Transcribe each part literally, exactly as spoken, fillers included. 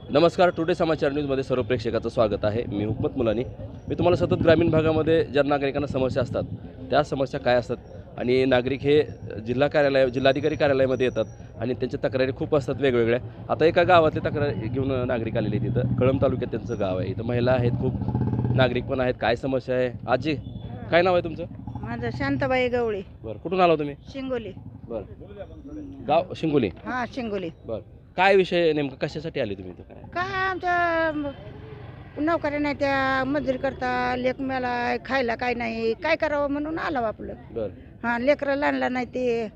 नमस्कार. टुडे समाचार न्यूजमध्ये सर्व प्रेक्षकाचं स्वागत आहे. मी हुकमत मुलानी. मी तुम्हाला सतत ग्रामीण भागामध्ये ज्या नागरिकांना समस्या असतात त्या समस्या काय असतात आणि नागरिक हे जिल्हा कार्यालय जिल्हाधिकारी कार्यालयामध्ये येतात आणि त्यांच्या तक्रारी खूप असतात वेगवेगळ्या. आता एका गावातली तक्रार घेऊन नागरिक आलेले आहेत. तिथं कळंब तालुक्यात त्यांचं गाव आहे. इथं महिला आहेत, खूप नागरिक पण आहेत. काय समस्या आहे? आजी, काय नाव आहे तुमचं? माझं शांताबाई गवळी, बरं, कुठून आला तुम्ही? शिंगोली. बरं, गाव शिंगोली. हा, शिंगोली. बरं, काय विषय नेमकं, कशासाठी आले तुम्ही इथं? काय काय आमच्या म- नोकऱ्या नाही, त्या मजुरी करता, लेक मेला खायला काय नाही, काय करावं म्हणून आलो आपलं. बरं. हा, लेकरं लहानला नाही, ते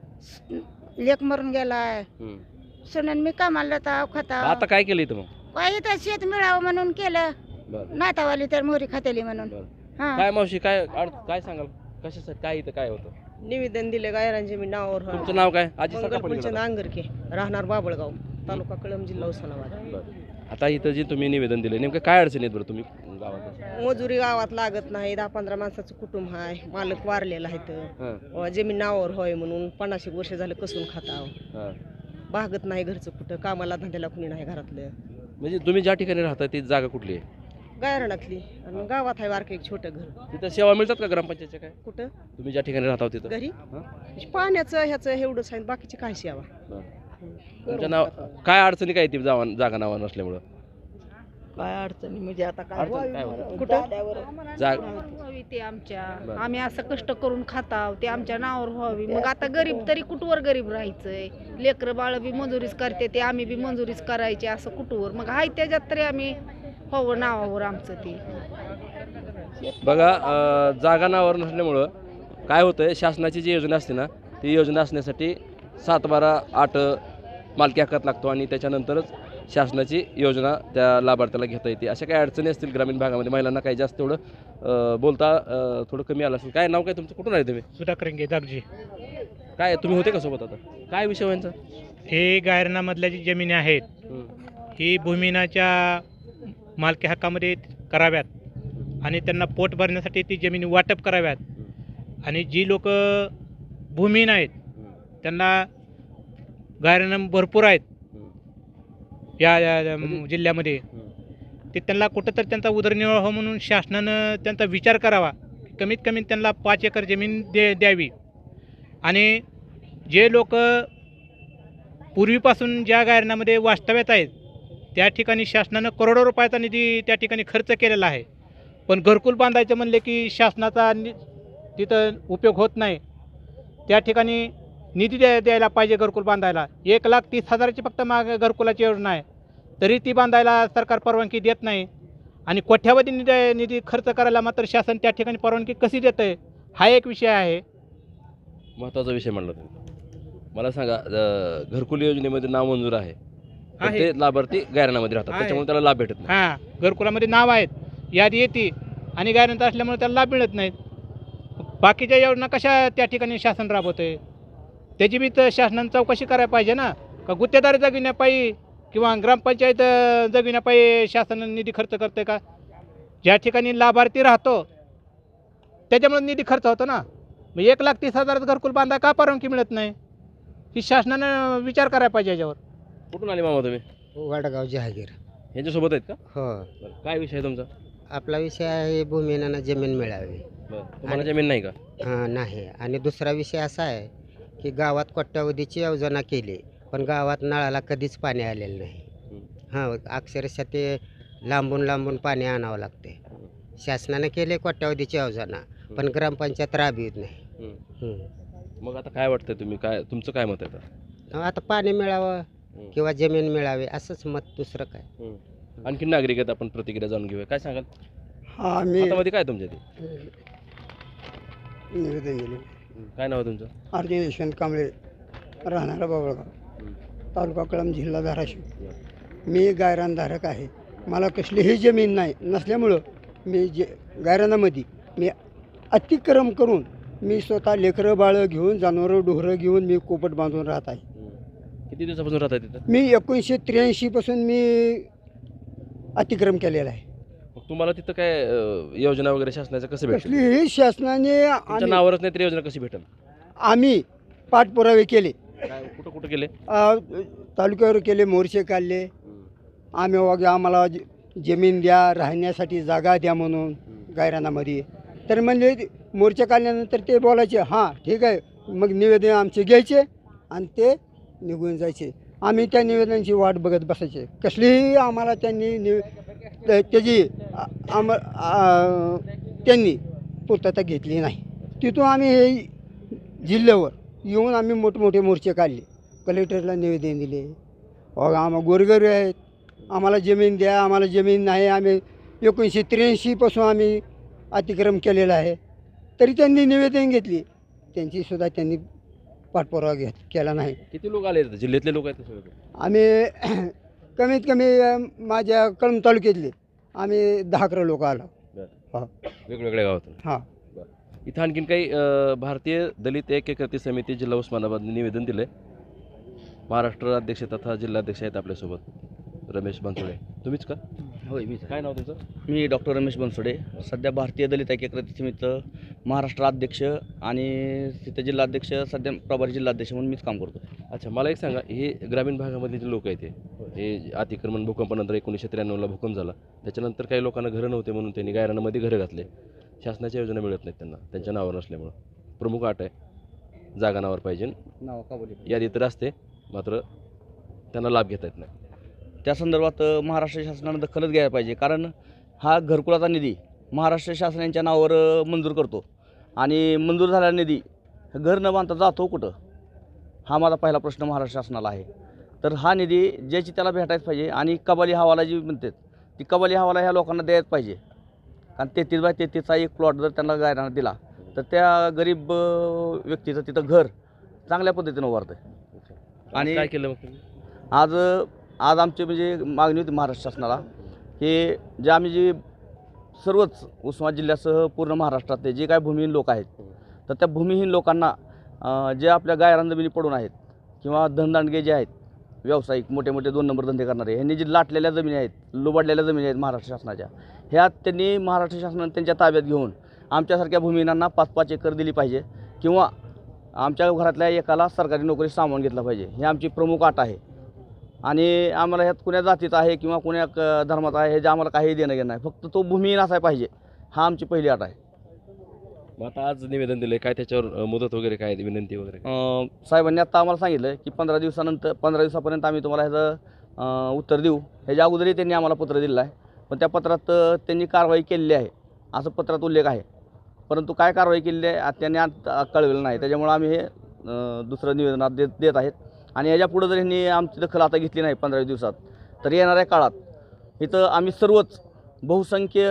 लेक मरून गेलाय. हं. सुनन मी कामाला जाता खाता आता काय केलं इथं मग? काय इथं शेत मिळावं म्हणून केलं. बरं. नातावाली तर मोहरी खातेली म्हणून. बरं. हा, काय मावशी, काय अड- काय सांगाल, कशासाठी काय इथं काय होतं? निवेदन दिले गायरांचे मी नावावर तुमचं नाव काय? आजी मंगल सकाळपर्यंत फुलचंद अंगरके, राहणार बाबळगाव, तालुका कळंब, जिल्हा उस्मानाबाद. बरं. आता इथं जे तुम्ही निवेदन दिले, नेमकं काय अडचणी आहेत बरं तुम्ही गावात? मजुरी गावात लागत नाही. दहा पंधरा माणसाचं कुटुंब आहे. मालक वारलेला आहे हां, तर जमीन नावावर होय म्हणून पन्नास एक वर्ष झालं कसून खाताव. हां. भागत नाही घरचं कुठं, कामाला धंद्याला कुणी नाही घरातलं. म्हणजे तुम्ही ज्या ठिकाणी राहता ती जागा कुठली आहे? गायरानातली आणि गावात आहे वारकं एक छोटं घर. तिथं सेवा मिळतात का ग्रामपंचायतच्या? काय कुठं तुम्ही ज्या ठिकाणी राहता तिथं? घरी हां? पाण्याचं ह्याचं एवढंच आहे, बाकीची काय सेवा. बरं. तुमच्या नाव काय अडचणी काय ती जावा जागा नावा नसल्यामुळं? काय अडचणी म्हणजे आता अडचण काय होतं? कुठं जाग व्हावी ते आमच्या बरं. आम्ही असं कष्ट करून खाताव ते आमच्या नावावर व्हावी. मग आता गरीब तरी कुठवर गरीब राहायचंय? लेकरं बाळ बी मंजुरीच करते, ते आम्ही बी मंजुरीच करायची, असं कुठवर मग हाय त्याच्यात तरी आम्ही व्हावं नावावर आमचं ते. बघा, अं, जागा नावावर नसल्यामुळं काय होतंय, शासनाची जी योजना असते ना, ती योजना असण्यासाठी सात बारा आठ मालकी हक्कात लागतो आणि त्याच्यानंतरच शासनाची योजना त्या लाभार्थ्याला घेता येते. अशा काही अडचणी असतील ग्रामीण भागामध्ये, महिलांना काही जास्त तेवढं अं, बोलता अं, थोडं कमी आलं असेल. काय नाव काय तुमचं? कुठून आहे तुम्ही? सुधाकर दागजी. काय तुम्ही होते का सोबत? आता काय विषय व्हायचा? हे गायरनामधल्या जी जमिनी आहेत ही भूमिनाच्या मालकी हक्कामध्ये कराव्यात आणि त्यांना पोट भरण्यासाठी ती जमिनी वाटप कराव्यात. आणि जी लोक भूमिहीन आहेत त्यांना गायरनाम भरपूर आहेत या या जिल्ह्यामध्ये, ते त्यांना कुठं तर त्यांचा उदरनिर्वाह हो म्हणून शासनानं त्यांचा विचार करावा. कमीत कमी त्यांना पाच एकर जमीन दे द्यावी. आणि जे लोक पूर्वीपासून ज्या गायरनामध्ये वास्तव्यात आहेत त्या ठिकाणी शासनानं करोडो रुपयाचा निधी त्या ठिकाणी खर्च केलेला आहे. पण घरकुल बांधायचं म्हणले की शासनाचा नि तिथं उपयोग होत नाही. त्या ठिकाणी निधी द्या द्यायला पाहिजे घरकुल बांधायला. एक लाख तीस हजाराची फक्त माग घरकुलाची योजना आहे, तरी ती बांधायला सरकार परवानगी देत नाही. आणि कोट्यावधी निधी निधी खर्च करायला मात्र शासन त्या ठिकाणी परवानगी कशी देतं आहे, हा एक विषय आहे. महत्त्वाचा विषय म्हणला तुम्ही. मला सांगा, अं, घरकुल योजनेमध्ये नाव मंजूर आहे, पण आहे. ते लाभार्थी गायरनामध्ये राहतात, आहे. त्याच्यामुळे त्याला लाभ भेटत नाही. हां, घरकुलामध्ये नाव आहेत, यादी येते आणि गायरंट असल्यामुळे त्याला लाभ मिळत नाहीत. बाकीच्या योजना कशा त्या ठिकाणी शासन राबवतं आहे, त्याची बी तर शासनानं चौकशी करायला पाहिजे ना. का गुत्तेदारी जगविण्यापायी किंवा ग्रामपंचायत जगविण्यापायी शासन निधी खर्च करते का? ज्या ठिकाणी लाभार्थी राहतो त्याच्यामुळे निधी खर्च होतो ना. मग एक लाख तीस हजाराचं घरकुल बांधा का परवानगी मिळत नाही, ही शासनानं विचार करायला पाहिजे याच्यावर. कुठून आले मामा तुम्ही? वडगाव जहागीर. यांच्यासोबत आहेत का? हो, बरं. काय विषय आहे तुमचा? आपला विषय आहे भूमिहीनांना जमीन मिळावी. बरं. तुम्हाला जमीन नाही का? हां, नाही. आणि दुसरा विषय असा आहे की गावात कोट्यावधीची योजना केली पण गावात नळाला कधीच पाणी आलेलं नाही. हां, अक्षरशः ते लांबून लांबून पाणी आणावं लागते. शासनाने केले कोट्यावधीची योजना पण ग्रामपंचायत राबवित नाही. हं. हं. मग आता काय वाटतंय, तुम्ही काय, तुमचं काय मत आहे आता? आता पाणी मिळावं हं. किंवा जमीन मिळावी असंच मत, दुसरं काय. हं. आणखी नागरिक आहेत, आपण प्रतिक्रिया जाणून घेऊया. काय सांगाल? हा, मी हातामध्ये काय तुमच्या ते? निवेदन दिले. हं. काय नाव आहे तुमचं? आरती यशवंत कांबळे, राहणारा बाबळगाव, हं. तालुका कळंब, जिल्हा धाराशिव. बरं. मी गायरानधारक आहे. मला कसलीही जमीन नाही नसल्यामुळं मी जे गायरानामध्ये मी अतिक्रम करून मी स्वतः लेकरं बाळं घेऊन, जनावरं डोहरं घेऊन मी कोपट बांधून राहत आहे. हं. किती दिवसापासून राहताय तिथं? मी एकोणीसशे त्र्याऐंशीपासून मी अतिक्रम केलेला आहे. मग तुम्हाला तिथं काय अं, योजना वगैरे शासनाचं कसं भेटेल? कसलीही शासनाने तुमच्या आणि नावावरच नाही तर योजना कशी भेटेल? आम्ही पाठपुरावे केले. काय कुठं कुठं केले? अ, तालुक्यावर केले, मोर्चे काढले, हं. आम्ही वगैरे आम्हाला ज- जमीन द्या, राहण्यासाठी जागा द्या म्हणून गायरानामध्ये. तर म्हणजे मोर्चा काढल्यानंतर ते बोलायचे हां ठीक आहे, मग निवेदन आमचे घ्यायचे आणि ते निघून जायचे. आम्ही त्या निवेदनांची वाट बघत बसायचे. कसलीही आम्हाला त्यांनी निव त्या- त्याची आ- आम आ- त्यांनी पूर्तता घेतली नाही. तिथून आम्ही हे जिल्ह्यावर येऊन आम्ही मोठमोठे मोर्चे काढले, कलेक्टरला निवेदन दिले. अहो आम्हा गोरगरीब आहेत, आम्हाला जमीन द्या, आम्हाला जमीन नाही. आम्ही एकोणीसशे त्र्याऐंशीपासून आम्ही अतिक्रम केलेला आहे. तरी त्यांनी निवेदन घेतली, त्यांचीसुद्धा त्यांनी पाठपुरावा घेत केला नाही. किती लोक आले इथं? जिल्ह्यातले लोक आहेत का सगळे? आम्ही कमीत कमी अ, माझ्या कळंब तालुक्यातले आम्ही दहा अकरा लोक आलो. वेगवेगळ्या गावातून. हां इथं आणखीन काही अ, भारतीय दलित ऐक्यकृती समिती जिल्हा उस्मानाबादने निवेदन दिले. महाराष्ट्र अध्यक्ष तथा जिल्हाध्यक्ष आहेत आपल्यासोबत रमेश बनसोडे. तुम्हीच का? होय मीच काय नाव तुमचं? मी डॉक्टर रमेश बनसोडे, सध्या भारतीय दलित ऐक्यकृती समितीचं महाराष्ट्र अध्यक्ष आणि तिथे जिल्हाध्यक्ष, सध्या प्रभारी जिल्हाध्यक्ष म्हणून मीच काम करतो. अच्छा, मला एक सांगा, हे ग्रामीण भागामधले जे लोक आहेत ते हे अतिक्रमण भूकंपानंतर एकोणीसशे त्र्याण्णवला भूकंप झाला, त्याच्यानंतर काही लोकांना घरं नव्हते म्हणून त्यांनी गायरानामध्ये घरं घातले. शासनाच्या योजना मिळत नाहीत त्यांना, त्यांच्या नावावर नसल्यामुळं. प्रमुख अट आहे, जागा नावावर पाहिजे. नाव का बोली यादी तर असते, मात्र त्यांना लाभ घेता येत नाही. त्या संदर्भात अ, महाराष्ट्र शासनानं दखलच घ्यायला पाहिजे, कारण हा घरकुलाचा निधी महाराष्ट्र शासन यांच्या नावावर अ, मंजूर करतो आणि मंजूर झालेला निधी घर न बांधता जातो कुठं, हा माझा पहिला प्रश्न महाराष्ट्र शासनाला आहे. तर हा निधी ज्याची त्याला भेटायच पाहिजे आणि कबाली हवाला जी म्हणतात ती कबाली हवाला ह्या लोकांना द्यायच पाहिजे. कारण तेहतीस बाय तेहतीसचा एक प्लॉट जर त्यांना गायराना दिला तर त्या गरीब अ, व्यक्तीचं तिथं घर चांगल्या पद्धतीनं उभारतं. आणि आणि काय केलं मग तुम्ही? आज आज आमची म्हणजे मागणी होती महाराष्ट्र शासनाला की जे आम्ही जे सर्वच उस्मानाबाद जिल्ह्यासह पूर्ण महाराष्ट्रातले जे काय भूमिहीन लोक आहेत, तर त्या भूमिहीन लोकांना अ, जे आपल्या गायरान जमिनी पडून आहेत किंवा धनदांडगे जे आहेत, व्यावसायिक मोठे मोठे दोन नंबर धंदे करणारे, ह्यांनी जे लाटलेल्या जमिनी आहेत, लुबाडलेल्या जमिनी आहेत महाराष्ट्र शासनाच्या, ह्या त्यांनी महाराष्ट्र शासनाने त्यांच्या ताब्यात घेऊन आमच्यासारख्या भूमिहीनांना पाच पाच एकर दिली पाहिजे किंवा आमच्या घरातल्या एकाला सरकारी नोकरी सामावून घेतला पाहिजे. ही आमची प्रमुख अट आहे. आणि आम्हाला ह्यात कुण्या जातीचा आहे किंवा कुण्या क- धर्माचा आहे हे जे आम्हाला काही देणं घेणं नाही, फक्त तो भूमिहीन असाय पाहिजे, हा आमची पहिली अट आहे. मग आता आज निवेदन दिले, काय त्याच्यावर अ, मुदत वगैरे काय, विनंती वगैरे काय? अं, साहेबांनी आत्ता आम्हाला सांगितलं की पंधरा दिवसानंतर पंधरा दिवसापर्यंत आम्ही तुम्हाला ह्याचं अं, उत्तर देऊ. ह्याच्या अगोदरही त्यांनी आम्हाला पत्र दिलेलं आहे, पण त्या पत्रात अं, त्यांनी कारवाई केलेली आहे असं पत्रात उल्लेख आहे, परंतु काय कारवाई केलेली आहे आत- त्यांनी आत कळवलेलं नाही. त्याच्यामुळे आम्ही हे अं, दुसरं निवेदनात देत देत आहेत. आणि याच्या पुढं जर ह्यांनी आमची दखल आता घेतली नाही पंधरा दिवसात, तर येणाऱ्या काळात इथं आम्ही सर्वच बहुसंख्य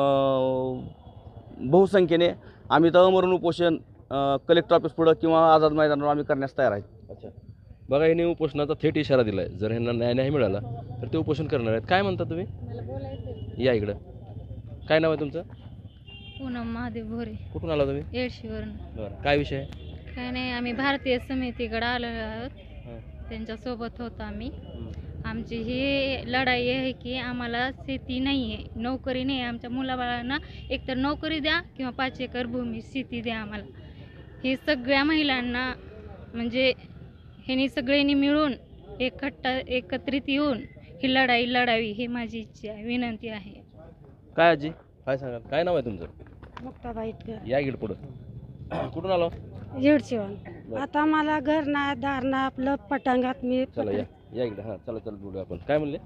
अं, बहुसंख्येने आम्ही इथं अमरण उपोषण अं, कलेक्टर ऑफिस पुढं किंवा आझाद मैदानावर आम्ही करण्यास तयार आहेत. अच्छा, बघा, यांनी उपोषणाचा थेट इशारा दिला आहे. जर ह्यांना न्याय नाही मिळाला तर ते उपोषण करणार आहेत. काय म्हणता तुम्ही? या इकडं. काय नाव आहे तुमचं? पूनम महादेव भोरे, कुठून आला तुम्ही? येडशीवरून. बरं, काय विषय आहे? काय नाही, आम्ही भारतीय समितीकडे आलो आहोत, हां. त्यांच्यासोबत होतो आम्ही. आमची ही लढाई आहे की आम्हाला शेती नाही आहे, नोकरी नाही आहे. आमच्या मुलाबाळांना एकतर नोकरी द्या किंवा पाच एकर भूमी शेती द्या आम्हाला. हे सगळ्या महिलांना म्हणजे ह्यांनी सगळ्यांनी मिळून एकट्टा एकत्रित येऊन ही लढाई लढावी, ही माझी इच्छा आहे, विनंती आहे. काय आजी, काय सांगाल? काय नाव आहे तुमचं? मुक्ताबाई इतकं या इकडे पुढं. कुठून आलो? येडशीवन. आता मला घर नाही, दार नाही, आपलं पटांगात मी चला या या इकडे. हां, चला चला बोलूया आपण. काय म्हणले?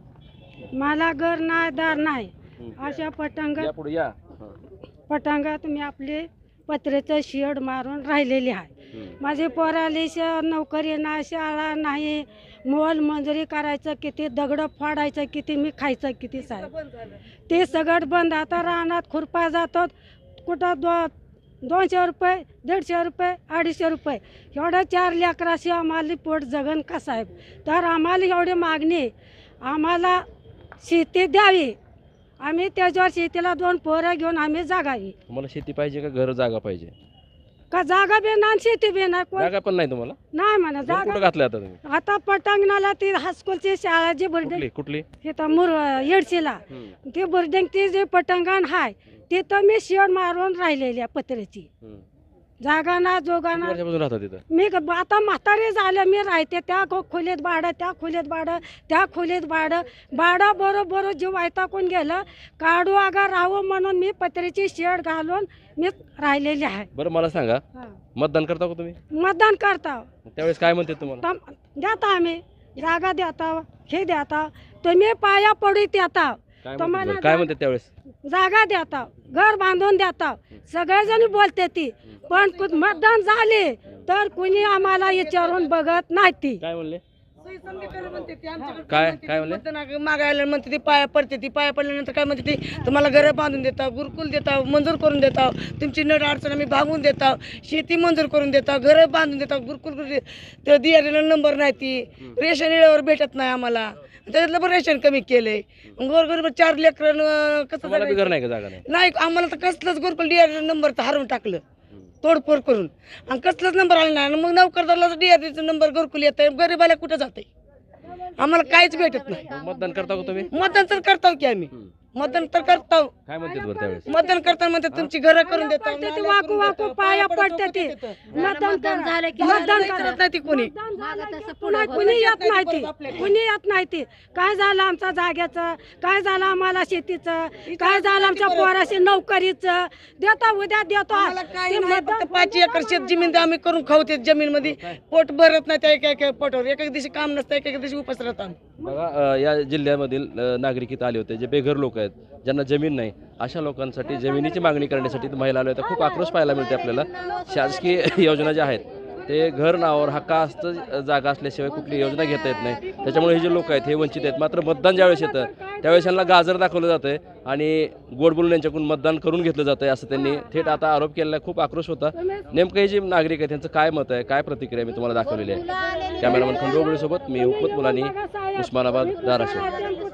मला घर नाही, दार नाही, हं. अशा या पटांगात पुढे या. हां. पटांगात मी आपले पत्र्याचं शेड मारून राहिलेली आहे. हं. माझे पोराले श नोकरी नाही, शाळा नाही, मोल मंजुरी करायचं किती, दगडं फोडायचं किती, मी खायचं किती साहेब. ते सगळं बंद. आता रानात खुरपा जातात, कुठं दो दोनशे रुपये, दीडशे रुपये, अडीचशे रुपये, एवढं चार लेकराशी आम्हाला पोट जगन का साहेब. तर आम्हाला एवढी मागणी, आम्हाला शेती द्यावी, आम्ही त्याच्यावर शेतीला दोन पोरं घेऊन आम्ही जागावी. तुम्हाला शेती पाहिजे का घर जागा पाहिजे? का जागा बी नाही शेती बी नाही, कोण जागा पण नाही तुम्हाला? नाही म्हणा घर कुठं जागा. घातलं आता तुम्ही? आता पटांगणाला ती हायस्कूलची शाळा जी बिल्डिंग कुठली कुठली? तिथं मुर येडशीला हं. ती बिल्डिंग ती जे पटांगण आहे तिथं मी शेड मारून राहिलेली आहे पत्र्याची. हं. जागा ना किती जोगाना वर्षापासून राहतात तिथं? मी ग- आता म्हातारी झालं मी राहते त्या खो- खोलीत भाडं त्या खोलीत भाडं त्या खोलीत भाडं भाडं बरोबर जीव वैतागून गेलं. काढू अगा राहू म्हणून मी पत्र्याची शेड घालून मी राहिलेली आहे. बरं मला सांगा, मतदान करता का तुम्ही? मतदान करता त्यावेळेस काय म्हणते तुम्हाला? तम- देता आम्ही जागा देता हे देता तुम्ही पाया पडीत येता काय म्हणते तुम्हाला बरं? काय म्हणते त्यावेळेस? जागा देता घर बांधून देता सगळेजण बोलते ती पण कु- मतदान झाले तर कुणी आम्हाला विचारून बघत नाही ती. काय म्हणले? काय काय म्हणले? मागायला म्हणते ती पाया पडते ती पाया पडल्यानंतर काय म्हणते ती तुम्हाला घरं बांधून देता गुरुकुल देता मंजूर करून देता तुमची नड अडचण आम्ही भागवून देता शेती मंजूर करून देता घरं बांधून देता गुरुकुल तर दियाला नंबर नाही ती रेशन वेळेवर भेटत नाही आम्हाला त्याच्यातलं पण रेशन कमी केलंय गोरगरीब चार लेकर कसं तुम्हाला बी घर जगायचं? नाही का? जागा नाही? नाही आम्हाला तर कसलंच गुरुकुल डीआरडी नंबर तर हरवून टाकलं तोडफोड करून आणि कसलाच नंबर आला नाही आणि मग नोकरदाराला डीआरडीचा नंबर घरकुल येत आहे गरीबाला कुठं जात आहे आम्हाला काहीच भेटत नाही. मग मतदान करता का तुम्ही? मतदान तर करताव की आम्ही मतदान तर करताव काय म्हणते बरं त्यावेळेस? मतदान करताना म्हणते तुमची घरं करून देतो पडते ती वाकू वाकू पाया पडते ती मतदान झालं की मतदान करत नाही ती कोणी पुन्हा कुणी येत नाही ती कुणी येत नाही ती काय झालं आमच्या जाग्याचं काय झालं आम्हाला शेतीचं काय झालं आमच्या पोराशी नोकरीचं देता उद्या देतो आम्हाला काही ते नाही, मतदान फक्त पाच एकर शेत जमीन आम्ही करून खाऊ ते जमीन मध्ये पोट भरत नाही त्या एका एका पोटावर एक एक दिवशी काम नसतं एक एक दिवशी उपास राहतो आम्ही. बघा अ, या जिल्ह्यामधील अ, नागरिक इथं आले होते जे बेघर लोक आहेत ज्यांना जमीन नाही अशा लोकांसाठी जमिनीची मागणी करण्यासाठी इथं महिला आल्या होत्या. खूप आक्रोश पाहायला मिळते आपल्याला. शासकीय योजना ज्या आहेत ते घर नावावर हक्कास्त जागा असल्याशिवाय कुठली योजना घेता येत नाही. त्याच्यामुळे हे जे लोक आहेत हे वंचित आहेत. मात्र मतदान ज्यावेळेस येतं त्यावेळेस यांना गाजर दाखवलं जातं आहे आणि गोड बोलून यांच्याकडून मतदान करून घेतलं जातं आहे असं त्यांनी थेट आता आरोप केलेला आहे. खूप आक्रोश होता. नेमकं हे जे नागरिक आहेत त्यांचं काय मत आहे काय प्रतिक्रिया मी तुम्हाला दाखवलेली आहे. कॅमेरामन खंडोबळीसोबत मी हुकमत मुलानी उस्मानाबाद धाराशिव.